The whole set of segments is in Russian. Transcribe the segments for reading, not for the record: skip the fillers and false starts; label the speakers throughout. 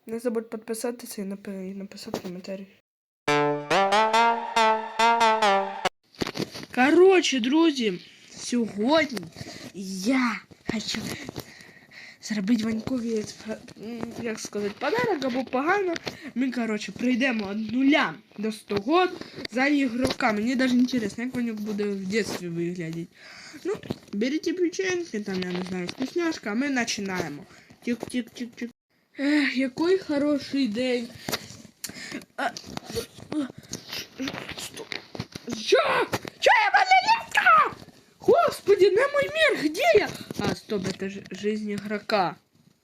Speaker 1: Не забудь підписатися і написати коментарі. Коротше, друзі, сьогодні я хочу зробити Ванькові, як сказати, подарок або погано. Ми, коротше, прийдемо від 0 до 100 год за ігрока. Мені навіть інтересно, як Ваньок буде в дитинстві виглядати. Ну, берите печеньки, там, я не знаю, вкусняшка, а ми починаємо. Тик-тик-тик-тик. Який хороший день. Что? Что я балеринка? Господи, на мой мир, где я? А, стоп, это же жизнь игрока.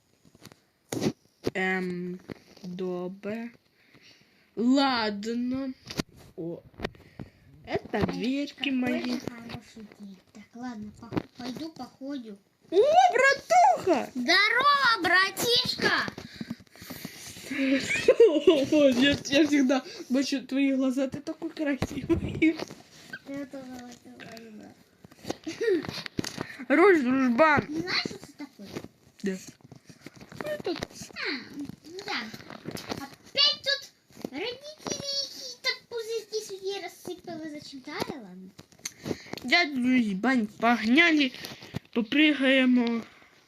Speaker 1: Добре. Ладно. О, это дверки мои.
Speaker 2: Так, ладно, пойду походю.
Speaker 1: О, братуха!
Speaker 2: Здорово, братишка!
Speaker 1: Я всегда бачу твои глаза, ты такой красивый. Роль дружбан.
Speaker 2: Знаешь, что это такое?
Speaker 1: Да. Это...
Speaker 2: Да. Опять тут родители какие-то пузырьки сюда рассыпали. Зачем то ладно?
Speaker 1: Дядю Бань, погнали, попрыгаем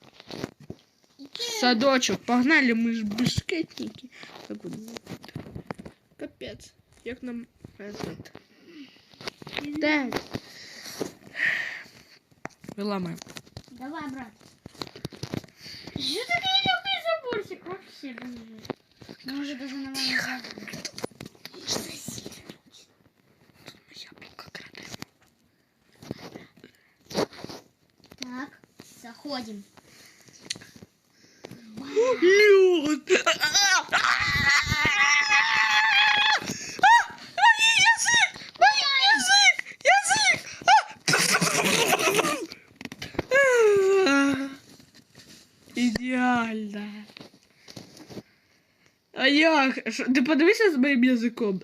Speaker 1: в садочок. Погнали, мы ж бешкетники. Так вот. Капец. Як нам этот. Так. Выламаем.
Speaker 2: Давай, брат. Что ты не любишь заборчик вообще, блин? Мы уже даже на маму. Так, заходим.
Speaker 1: Лёд! Идеально. А як? Ти подивися з моїм язиком.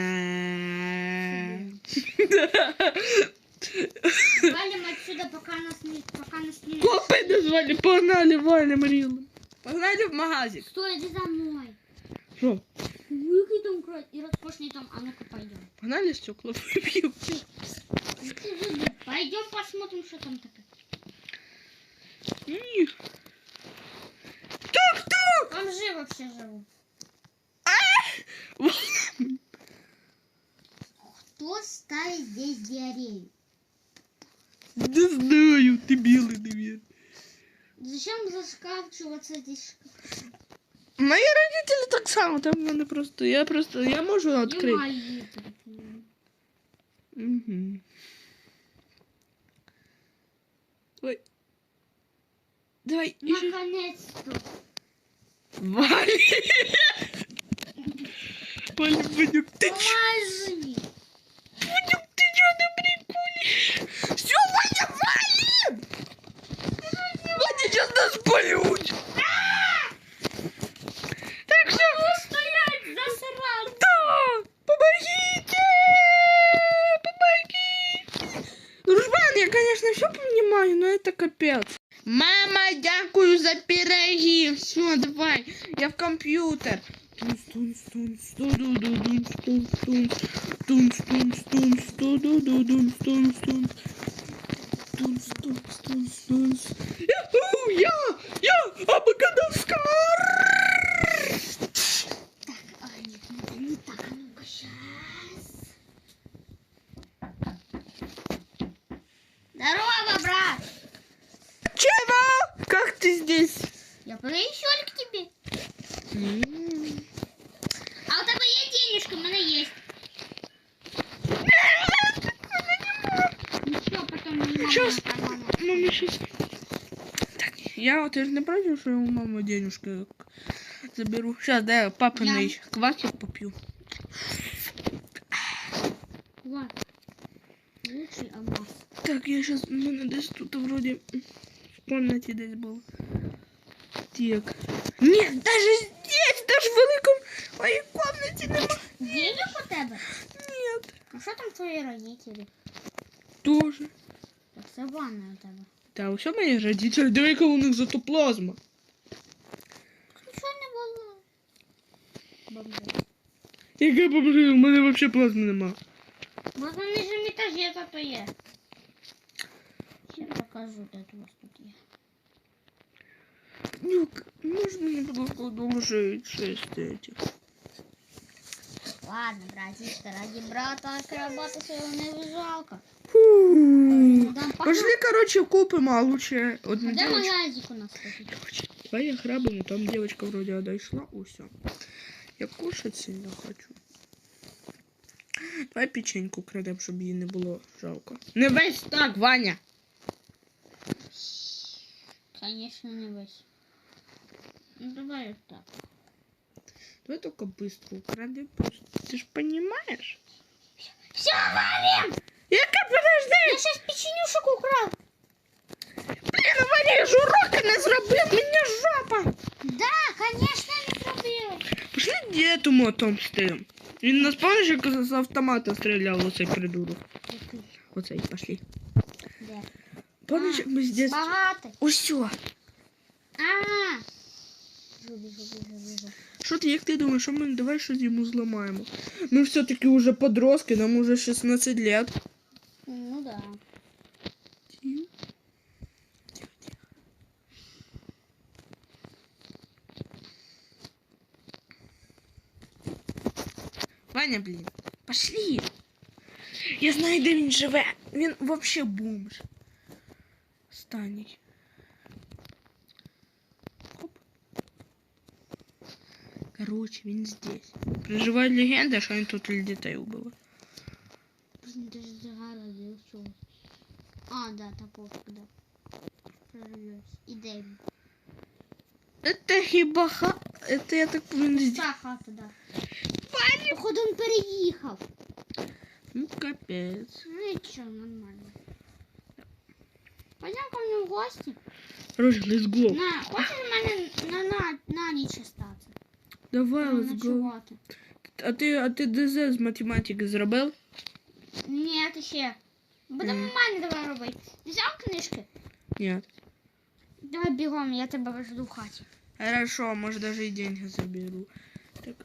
Speaker 2: Валим отсюда, пока нас не...
Speaker 1: Копи назвали, погнали, валим рілом. Погнали в магазик.
Speaker 2: Стой, иди за мной.
Speaker 1: Що?
Speaker 2: Выкинь там кровь и роскошный там, а ну-ка пойдем.
Speaker 1: Погнали стекла выбьем.
Speaker 2: Пойдем посмотрим, что там такое.
Speaker 1: Тук-тук!
Speaker 2: Там же вообще живу. Кто ставит здесь диарею?
Speaker 1: Не знаю, ты белый, наверное.
Speaker 2: Зачем заскавчиваться здесь?
Speaker 1: Мои родители так само, там надо просто, я могу
Speaker 2: И
Speaker 1: открыть.
Speaker 2: мои.
Speaker 1: Угу. Ой. Давай, еще.
Speaker 2: Наконец-то.
Speaker 1: Вали! Вали, Ванюк, ты чё?
Speaker 2: Поможи.
Speaker 1: Ванюк, ты чё на приколе? Всё, Ваня, валим! Ваня сейчас нас полют! Так что...
Speaker 2: Стоять, засрал.
Speaker 1: Да! Помогите! Помогите! Дружбан, я, конечно, все понимаю, но это капец. Мама, дякую за пироги. Все, давай, я в компьютер. Я Абакадаскар!
Speaker 2: Так, нет, это не так. А ну-ка, сейчас. Здорово, брат.
Speaker 1: Чего? Как ты здесь?
Speaker 2: Я пришел к тебе. А у тебя есть денежка? У меня есть. Ничего, потом не
Speaker 1: Сейчас. Мама, сейчас. Так, я вот не против, что я у мамы денежки заберу. Сейчас, да, я папиный квасик попью.
Speaker 2: Вот. Лучший алмаз.
Speaker 1: Так, я сейчас, у меня десь тут вроде в комнате десь был. Так. Нет, даже здесь, даже в великом моей комнате нема.
Speaker 2: Денег у тебя?
Speaker 1: Нет.
Speaker 2: А что там твои родители?
Speaker 1: Тоже.
Speaker 2: Так, це ванна у тебе.
Speaker 1: Та усе мої родителі, диви, яка у них зато плазма.
Speaker 2: Нічого не було. бомжи.
Speaker 1: Яке бомжи? У мене взагалі плазми нема.
Speaker 2: Вот на нижнем этаже зато є. Я покажу, де у вас тут є.
Speaker 1: Нюк, можешь мне, пожалуйста, одолжить 6 этих?
Speaker 2: Ладно, братишка, ради брата работы своего не жалко.
Speaker 1: Фу.
Speaker 2: Дам
Speaker 1: Пошли, короче, купим, а лучше одну
Speaker 2: Где
Speaker 1: девочку.
Speaker 2: магазик у нас купить?
Speaker 1: Короче, давай я грабину, там девочка вроде отошла, о, все. Я кушать сильно хочу. Давай печеньку крадем, щоб її не було жалко. Не весь так, Ваня!
Speaker 2: Конечно, не весь. Ну давай вот так.
Speaker 1: Давай только быстро украдем просто. Ты ж понимаешь?
Speaker 2: Все, валим!
Speaker 1: Яка, подожди!
Speaker 2: Я сейчас печенюшек украл.
Speaker 1: Блін, Ваня, я ж уроки не зробив, мені жопа!
Speaker 2: Да, конечно, не зробила.
Speaker 1: Пошли дідому отомстим. Він нас, пам'ятаєш, як з автомата стріляв, оцей придурок. Оцей, пошли.
Speaker 2: Де?
Speaker 1: Пам'ятаєш, як ми з дітства...
Speaker 2: Багатий.
Speaker 1: Усьо.
Speaker 2: А. Біжу.
Speaker 1: Що ти, як ти думаєш, що ми давай щось йому зламаємо? Ми все-таки уже подростки, нам уже 16 лет.
Speaker 2: Ну да.
Speaker 1: Тихо. Ваня, блін, пошли. Я знаю, де він живе. Він вообще бомж. Останній. Хоп. Короче, він здесь. Проживає легенда, що він тут дітей убив.
Speaker 2: Даже загородил все. А, да, топовка, да. Прорвётся. И Дэйв.
Speaker 1: Это хіба ха... Это я так повинен здесь.
Speaker 2: Пуста хата, да. Походу он переехал.
Speaker 1: Ну, капец.
Speaker 2: Ну и чё, нормально. Пойдем ко мне в гости.
Speaker 1: Короче, let's go.
Speaker 2: На, хочешь у мене на ніч остаться?
Speaker 1: Давай, let's go.
Speaker 2: Ночувати.
Speaker 1: А ти ДЗ з математики зробив?
Speaker 2: Ні, ще. Будемо в мене давай робити. Взяв книжки?
Speaker 1: Ні.
Speaker 2: Давай бігом, я тебе жду в хаті.
Speaker 1: Хорошо, может даже и деньги заберу. Так.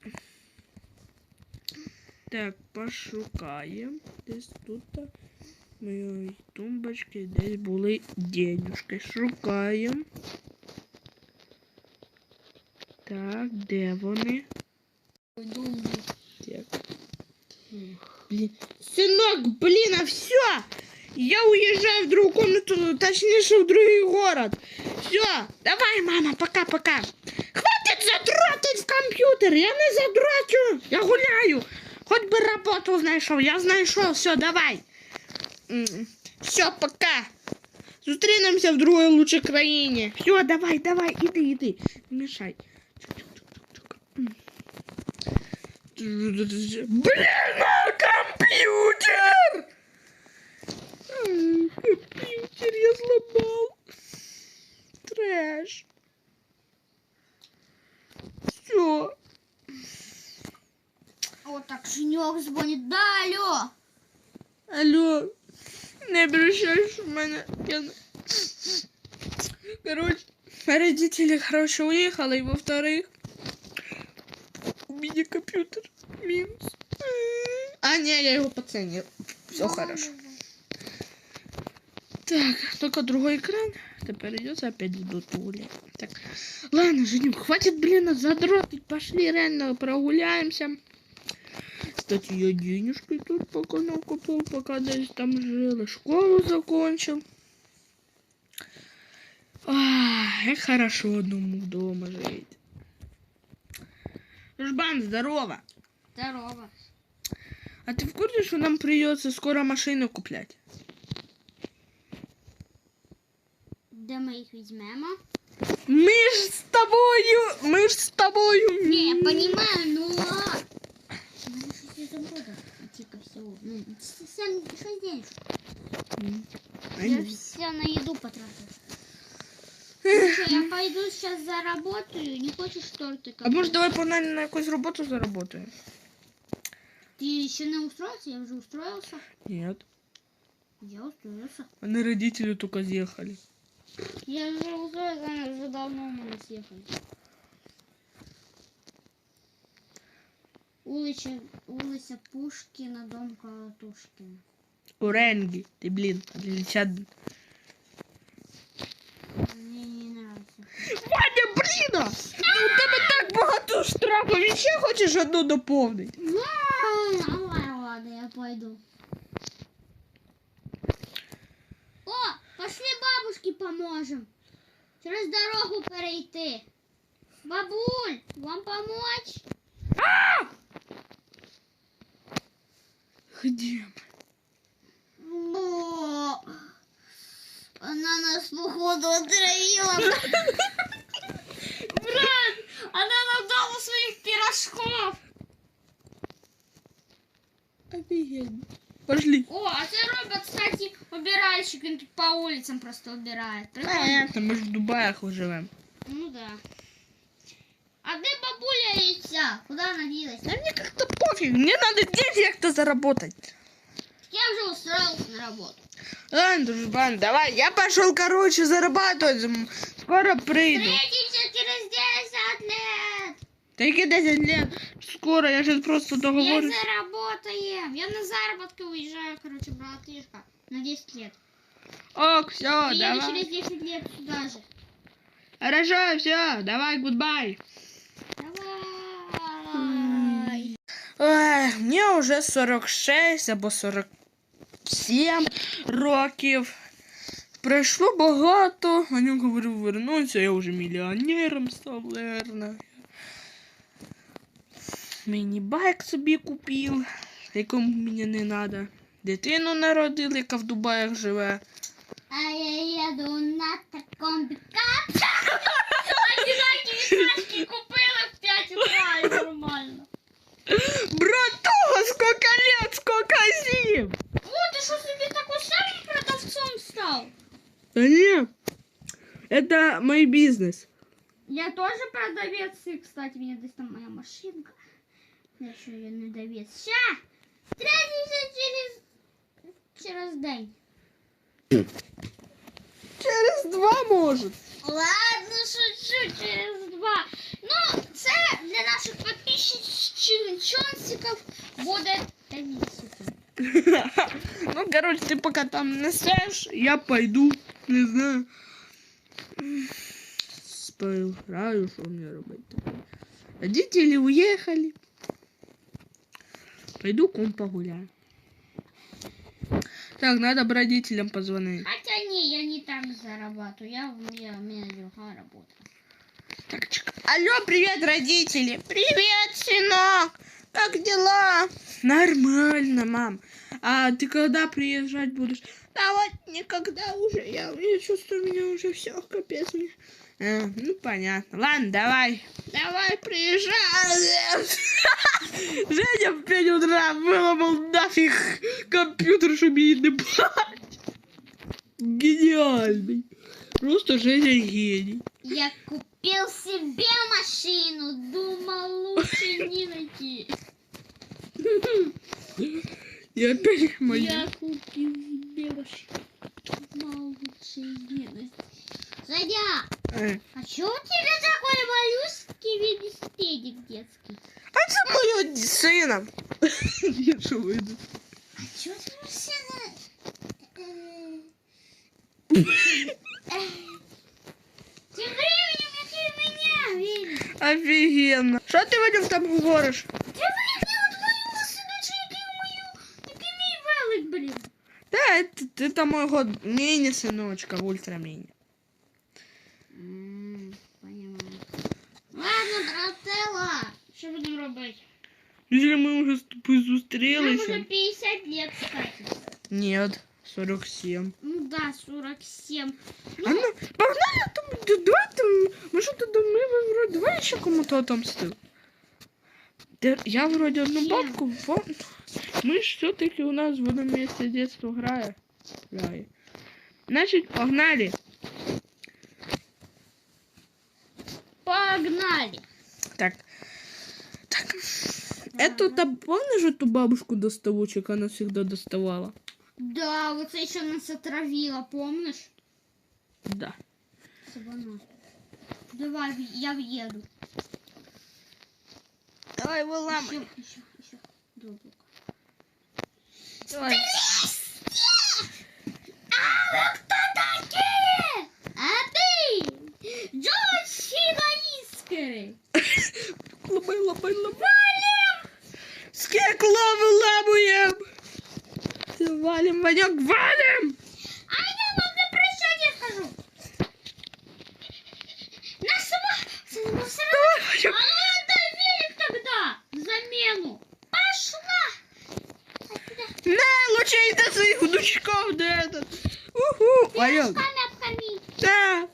Speaker 1: Так, пошукаем. Десь тут моєї тумбочки десь були денюжки. Шукаємо. Так, де вони?
Speaker 2: Думаю.
Speaker 1: Так. Блин. Сынок, блин, а все! Я уезжаю в другую комнату, точнее, в другой город. Все, давай, мама, пока-пока. Хватит задротить в компьютер, я не задрочу, я гуляю. Хоть бы работу знайшов, я знайшов, все, давай. Все, пока. Зустрінемося в другой лучшей країні. Все, давай, иди, не мешай. Блин, компьютер! Компьютер я сломал. Трэш. Все.
Speaker 2: Вот так Женек звонит. Да, алло.
Speaker 1: Алло. Не обращайся в меня. Короче, родители, короче, уехали. И во-вторых, у меня компьютер минус. А, не, я его поценил. Все хорошо. Так, только другой экран. Теперь придется опять в доту гулять. Так, ладно, Женюк, хватит, блин, задротить. Пошли реально прогуляемся. Кстати, я денежки тут пока накопил, пока здесь там жил. И школу закончил. Как хорошо одному дома жить. Жбан, здорово.
Speaker 2: Здорово.
Speaker 1: А ты в курсе, что нам придется скоро машину куплять?
Speaker 2: Де ми їх візьмемо?
Speaker 1: Мы ж с тобою.
Speaker 2: Не, я понимаю, но... Надо что-то забыла. Типа всего. Ну, 6 денежек. Я все на еду потратил. Слушай, я пойду сейчас заработаю. Не хочешь тортика?
Speaker 1: А может давай погнали на якусь роботу заработаем?
Speaker 2: Ты еще не устроился? Я уже устроился.
Speaker 1: Нет.
Speaker 2: Я устроился.
Speaker 1: Они родители только съехали.
Speaker 2: Я уже устроился, они уже давно у меня съехали. улица Пушкина, дом Колотушкина.
Speaker 1: Уренги. Ты, блин, отличат.
Speaker 2: Мне не нравится.
Speaker 1: Ваня, блін! Ну, у тебе так багато штрафів. І ще хочеш одну доповнити?
Speaker 2: Ладно, я пойду. О, пошли бабушке поможем. Через дорогу перейти. Бабуль, вам помочь?
Speaker 1: Где?
Speaker 2: О, она нас походу отравила. Брат, она нам дала своих пирожков.
Speaker 1: Офигенно. Пошли.
Speaker 2: О, а це робот, кстати, убиральщик, він тут по улицам просто убирает. Прикольно.
Speaker 1: Понятно, мы же в Дубаях живем.
Speaker 2: Ну да. А где бабуля яйца? Куда она делась?
Speaker 1: Да мне как-то пофиг. Мне надо деньги как-то заработать.
Speaker 2: Я уже устроился на работу.
Speaker 1: Ладно, дружбан, давай. Я пошел, короче, зарабатывать. Скоро приду.
Speaker 2: Встретимся через 10 лет.
Speaker 1: Такие 10 лет. Скоро, я сейчас просто
Speaker 2: Я
Speaker 1: договорюсь.
Speaker 2: заработаем. Я на заработки уезжаю, короче, братишка. На 10 лет.
Speaker 1: Ок, все,
Speaker 2: Приеду
Speaker 1: давай.
Speaker 2: через 10 лет сюда же.
Speaker 1: Хорошо, все, давай, гудбай.
Speaker 2: Давай.
Speaker 1: Ой, мне уже 46 або 47 років. Пройшло багато. Аню говорив вернуться, я вже мільйонером став, наверное. Міні-байк собі купив, якому мені не треба. Дитину народили, яка в Дубаях живе.
Speaker 2: А я еду на таком пикапе. Одинаковые купила в 5 утра, и нормально.
Speaker 1: Братуха, сколько лет, сколько зим!
Speaker 2: О, ты что себе такой самым продавцом стал?
Speaker 1: Да не, это мой бизнес.
Speaker 2: Я тоже продавец, и, кстати, меня здесь там моя машинка. Я еще ее не довез. Ща! Встретимся через день.
Speaker 1: Через 2 может.
Speaker 2: Ладно, шучу, через 2. Ну, це для наших подписчиков буде комиссия.
Speaker 1: Ну, короче, ты пока там несешь, я пойду, не знаю. Поиграю, что мне робить. Родители уехали. Пойду кум погуляю. Так, надо бы родителям позвонить.
Speaker 2: Хотя не, я не там зарабатываю, у меня другая работа.
Speaker 1: Так, алло, привет, родители. Привет, сынок. Как дела? Нормально, мам. А ты когда приезжать будешь? Да вот никогда уже. Я чувствую, у меня уже все, капец мне. Ну, понятно. Ладно, давай. Давай, приезжай. Женя в 5 утра выломал нафиг компьютер, чтобы ей не брать. Гениальный. Просто Женя гений.
Speaker 2: Я купил себе машину, думал лучше не найти.
Speaker 1: И опять мою.
Speaker 2: Я купил себе машину, думал лучше не найти. Задя, а чё у тебя такой малюсенький велосипедик детский?
Speaker 1: А это мой сына. Я что выйду?
Speaker 2: А чё ты машина? Тем временем я меня видишь.
Speaker 1: Офигенно. Что ты, Вадим, там говоришь?
Speaker 2: Тем временем твою машину, який мій велик, блин.
Speaker 1: Да, это мой год мини, сыночка, ультра мини.
Speaker 2: Понимаю. Ладно, брателла, що будемо робити?
Speaker 1: Если мы уже с тобой
Speaker 2: Нам уже
Speaker 1: зустрелись.
Speaker 2: 50 лет, кстати.
Speaker 1: Нет, 47.
Speaker 2: Ну да, 47.
Speaker 1: А ну, погнали, там, давай там, мы что-то мы вроде, давай еще кому-то отомстим. Я вроде одну
Speaker 2: Чем?
Speaker 1: бабку, мы ж все-таки у нас в одном месте детства грає. Значит, погнали.
Speaker 2: Погнали.
Speaker 1: Так. Эту, помнишь эту бабушку доставучек, она всегда доставала?
Speaker 2: Да, вот это еще нас отравила, помнишь?
Speaker 1: Да.
Speaker 2: Сабана. Давай, я въеду.
Speaker 1: Давай выламывай.
Speaker 2: Еще. Глубоко.
Speaker 1: Давай.
Speaker 2: А вы кто такие? А ты? Джоши Лаискери.
Speaker 1: Ламай. Скекло выламываем. Валим, Ванек, валим.
Speaker 2: А я вам на прощание скажу. А ну отдай велик тогда в замену. Пошла.
Speaker 1: На, лучше и до своих внучков, да этот. Уху. Ванек.
Speaker 2: Пешками обкорми.
Speaker 1: Да.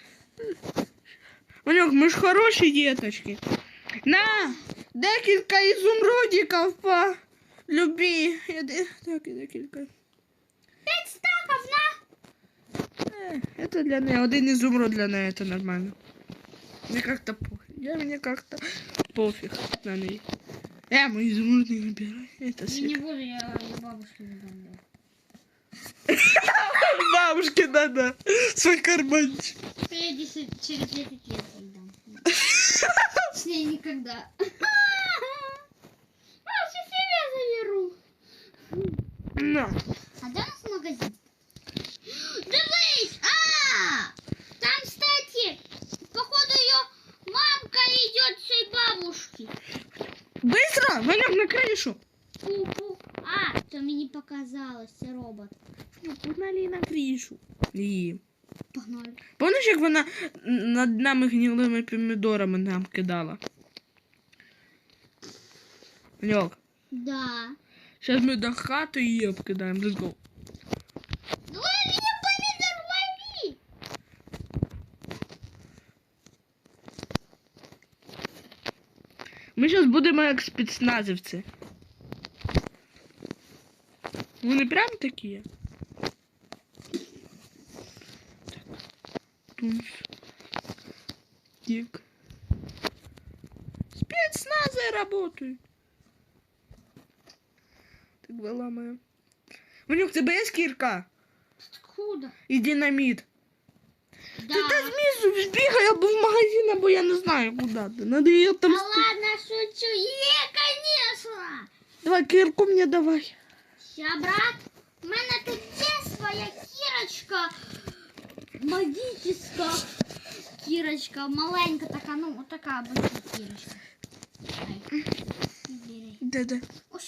Speaker 1: Ванек, мы ж хорошие деточки. На, декілька изумрудиков по любви. Так, декілька.
Speaker 2: 5 стаков на.
Speaker 1: Это для неї. Один изумруд для неї, это нормально. Мне как-то пофиг. Мне как-то пофиг на ней. Мы изумруд не выбираем. Это
Speaker 2: Я не
Speaker 1: сик.
Speaker 2: буду, я бабушке не дам.
Speaker 1: Бабушке надо свой карманчик.
Speaker 2: Я через 10 лет ей дам. С ней никогда. Лучше себе заберу.
Speaker 1: На.
Speaker 2: А где у нас магазин? Дивись! Там, кстати, походу ее мамка идет с той бабушки.
Speaker 1: Быстро, Ванек, на крышу.
Speaker 2: Пу-пу. То мне не показалось, це робот.
Speaker 1: Погнали на крышу. І...
Speaker 2: Погнали.
Speaker 1: Помниш, як вона над нами гнилими помідорами нам кидала? Ванек,
Speaker 2: Да.
Speaker 1: зараз ми до хати її обкидаємо. Let's go.
Speaker 2: Лови помидор, лови!
Speaker 1: Ми зараз будемо як спецназівці. Вони прям такі. Тунс. Дик. Спецназы работают. Так виламаю. Ванюк, тебе є кірка?
Speaker 2: Откуда?
Speaker 1: І динаміт.
Speaker 2: Да.
Speaker 1: Ти знизу збігай або в магазин, або я не знаю куди ти. Надо її там...
Speaker 2: Да ладно, шучу. Конечно.
Speaker 1: Давай кірку мені давай.
Speaker 2: Ща, брат, у мене тут є своя кірочка. Магическая кірочка. Маленька така, ну, вот такая обычная кірочка. Ай. Бери.
Speaker 1: Де.
Speaker 2: Усё.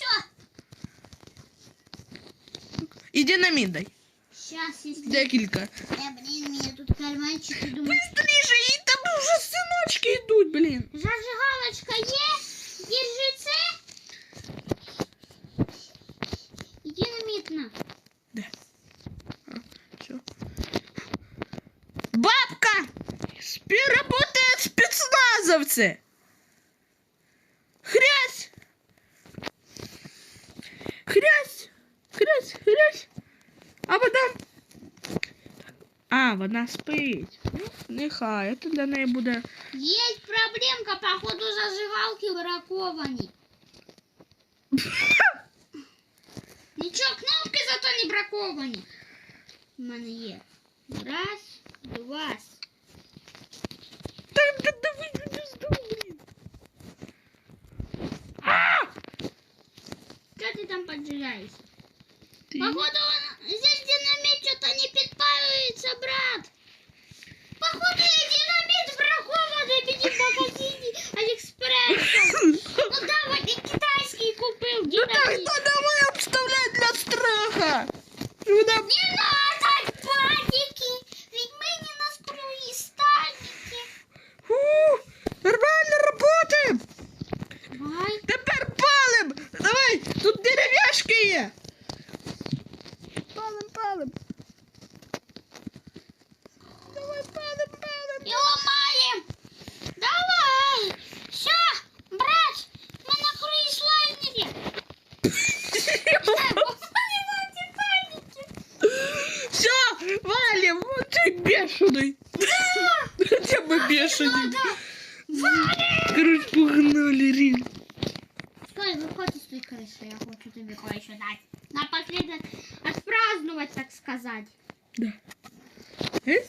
Speaker 1: І динаміт дай.
Speaker 2: Сейчас, если...
Speaker 1: Декілька.
Speaker 2: Блин, у меня тут карманчики, думаю...
Speaker 1: Быстріше, і там вже синочки йдуть, блін.
Speaker 2: Зажигалочка есть? Держи це. Динамитно.
Speaker 1: Все. Бабка! Работают спецназовцы! Хрясь! Хрясь! А потом... вона спить. Нехай, це для неї буде...
Speaker 2: Есть проблемка, походу зажигалки браковані. Ничего, кнопки зато не браковані. У мене є. Раз, два.
Speaker 1: Давай, блин.
Speaker 2: Что ты там поджигаешь?
Speaker 1: Ты...
Speaker 2: Походу, здесь динамит что-то не подпаивается, брат. Походу, я динамит бракованный в магазине Алиэкспресс. Ну давай, ты китайский купил
Speaker 1: Ну
Speaker 2: динамит.
Speaker 1: так, давай обставлять для страха. Вона...
Speaker 2: Не надо паники, ведь мы не на круизтальнике.
Speaker 1: Нормально работаем.
Speaker 2: Давай.
Speaker 1: Тепер палим. Давай, тут дерев'яшки є. Палим. Давай, палим.
Speaker 2: И ломаем. Давай. Все, брат, мы на круиз-лайнере.
Speaker 1: Все, валим. Вот ты бешеный. Хотя бы бешеный. Короче, погнали, Рин.
Speaker 2: Стой, выходи с той крыши, я хочу тебе кое-что дать. Напоследок отпраздновать, так сказать.
Speaker 1: Да.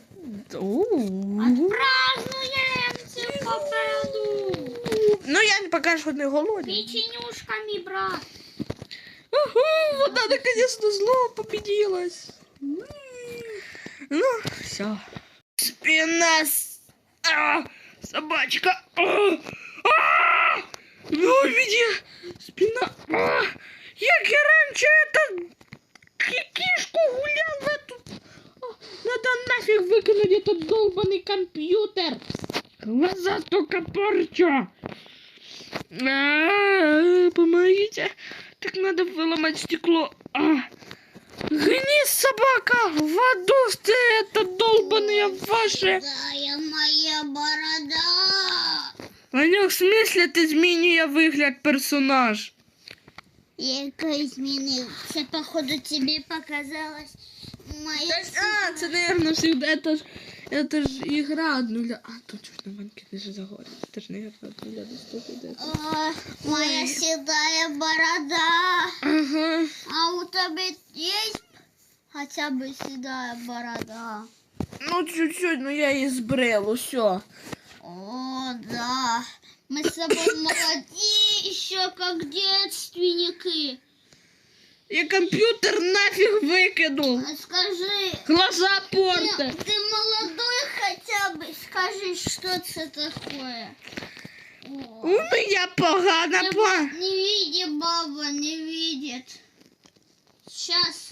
Speaker 2: Отпразднуем всю победу.
Speaker 1: Ну, я не пока что не голодный.
Speaker 2: Печенюшками, брат.
Speaker 1: Ага, вода наконец-то зло победилась. Ну, все. Спина. Собачка. Ну, види. Спина. Як я раньше кишку гулял в эту... Надо нафиг выкинуть этот долбанный компьютер. Глаза только порчу. Помогите. Так надо выломать стекло. Гни, собака! В аду ты, это долбаные ваши!
Speaker 2: Да, моя борода!
Speaker 1: Ванек, в смысле ты змінює вигляд персонаж?
Speaker 2: Яка изменился? Походу тебе показалось моя...
Speaker 1: Це, наверное, всегда, это ж игра от нуля. Тут чуть на банке даже загорит. Это ж, наверное, от нуля до 100.
Speaker 2: Моя седая борода.
Speaker 1: Ага.
Speaker 2: А у тебя есть хотя бы седая борода?
Speaker 1: Ну, чуть-чуть, но я и сбрел, все.
Speaker 2: О, да. Мы с тобой молодые, еще как девственники.
Speaker 1: Я компьютер нафиг выкинул.
Speaker 2: Скажи,
Speaker 1: Глаза портят.
Speaker 2: ты молодой хотя бы? Скажи, что это такое?
Speaker 1: У меня погано
Speaker 2: Не видит, баба, не видит. Сейчас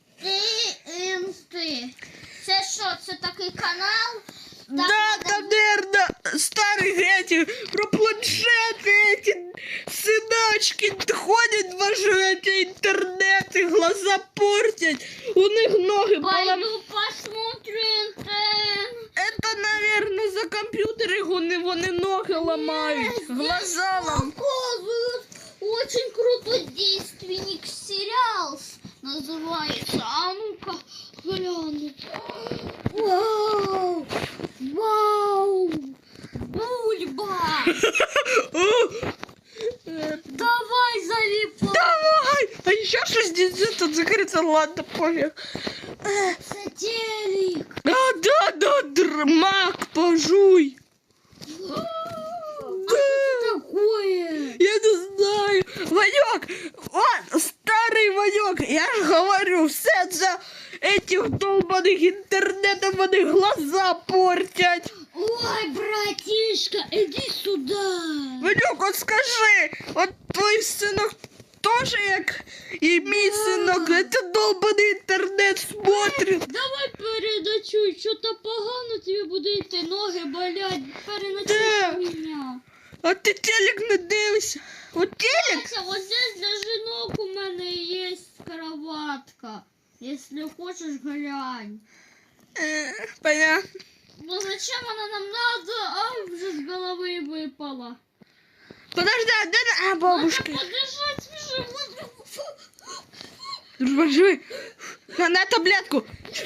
Speaker 2: ты. Це що, це такий канал?
Speaker 1: Да, там, наверное, старые эти, про планшеты, эти сыночки ходят, ваши эти интернеты, глаза портят, у них ноги
Speaker 2: Пойду посмотрим.
Speaker 1: Это, наверное, за компьютеры вони ноги ломают, глаза ломают.
Speaker 2: Показывают очень крутой действенник сериал называется. А ну-ка, гляну. Вау! Вау! Бульба! Давай залипай!
Speaker 1: Давай! А еще 60 закрыться, ладно, пофиг.
Speaker 2: Сателлик!
Speaker 1: Да, мак, пожуй.
Speaker 2: Что такое?
Speaker 1: Я не знаю. Ванек, он старый Ванек. Я же говорю, все за этих долбаных интернетов вони глаза портять.
Speaker 2: Ой, братишка, иди сюда!
Speaker 1: Ванек, вот скажи, вот твой сынок тоже, як и мій сынок, это долбаный интернет смотрит.
Speaker 2: Давай передачуй, что-то погано тебе буде йти, ноги болять, переночуй
Speaker 1: Да.
Speaker 2: меня.
Speaker 1: А ти телек не дивишся? Вот телек?
Speaker 2: Кстати, вот здесь для женок у меня есть кроватка. Если хочешь, глянь.
Speaker 1: Понятно.
Speaker 2: Ну зачем она нам надо? А, уже с головы выпала.
Speaker 1: Подожди, а де бабушка?
Speaker 2: Надо подышать,
Speaker 1: Дружбан, живи. На таблетку.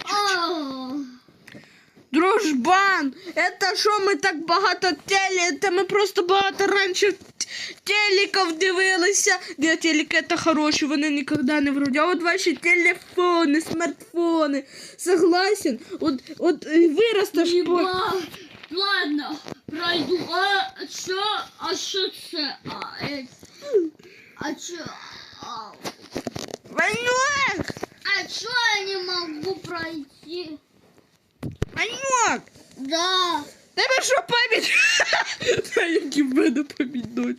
Speaker 1: Дружбан, это що ми так багато це ми просто багато раніше телеків дивилися. Де телеки це хороші, вони ніколи не вроді. А от ваші телефони, смартфони. Согласен? От виростеш по...
Speaker 2: Ладно, пройду. А що це? А що?
Speaker 1: Ванек!
Speaker 2: А что я не могу пройти?
Speaker 1: Ванек!
Speaker 2: Да.
Speaker 1: Тебе що пам'ять? Та які в мене пам'ять.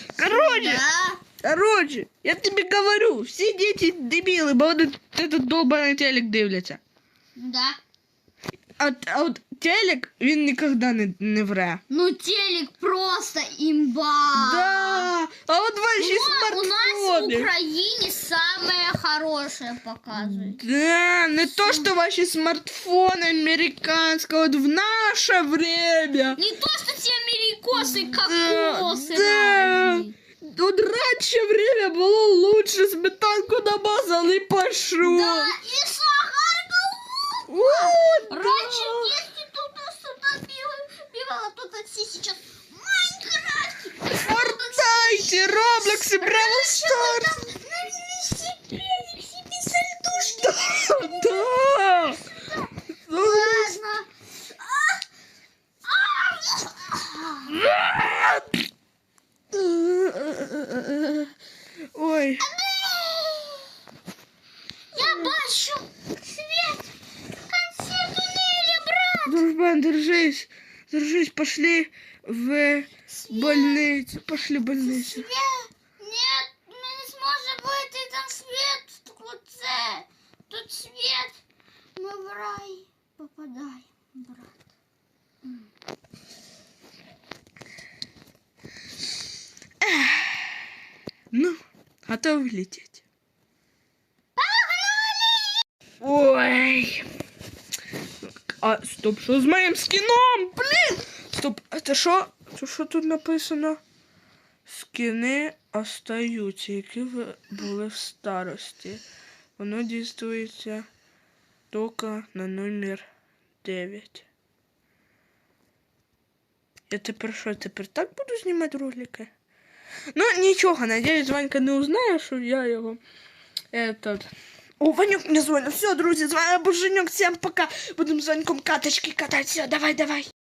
Speaker 1: Короче, я тобі говорю, всі діти дебіли, бо вони этот долбаний телек дивляться.
Speaker 2: Да.
Speaker 1: А от телек, він ніколи не вре.
Speaker 2: Ну телек просто имба.
Speaker 1: Да, а от ваші
Speaker 2: У нас в
Speaker 1: смартфони.
Speaker 2: Украине самое хорошее показывает.
Speaker 1: Да, не то, что ваши смартфоны американские, вот в наше время.
Speaker 2: Не то, что те америкосы, кокосы.
Speaker 1: Да.
Speaker 2: разные.
Speaker 1: Вот раньше время было лучше, сметанку намазал и пошел.
Speaker 2: Да, и сахар.
Speaker 1: Вот,
Speaker 2: Раньше в детстве туда-сюда бегала, тут все сейчас в Майнкрафте.
Speaker 1: Фортнайте, Роблокс и Бравл Старс.
Speaker 2: Навели себе сальдушки.
Speaker 1: Да.
Speaker 2: Ладно.
Speaker 1: Держись, пошли в больницю. Пошли в больницю.
Speaker 2: Свет! Нет, ми не зможемо вийти, там світ. Тут це. Тут світ. Ми в рай попадаємо, брат.
Speaker 1: Ну, готовы лететь? Ой. А, стоп, що з моїм скіном? Блін! Стоп, а це що? Це що тут написано? Скини остаються, які були в старості. Воно дійствується тільки на номер 9. Я тепер що, тепер так буду знімати ролики? Ну, нічого, надіюсь, Ванька не узнає, що я його... Этот... О, Ванюк мне звонит. Все, друзья, з вами був Женюк. Всем пока. Будем з Ваньком каточки катать. Все, давай, давай.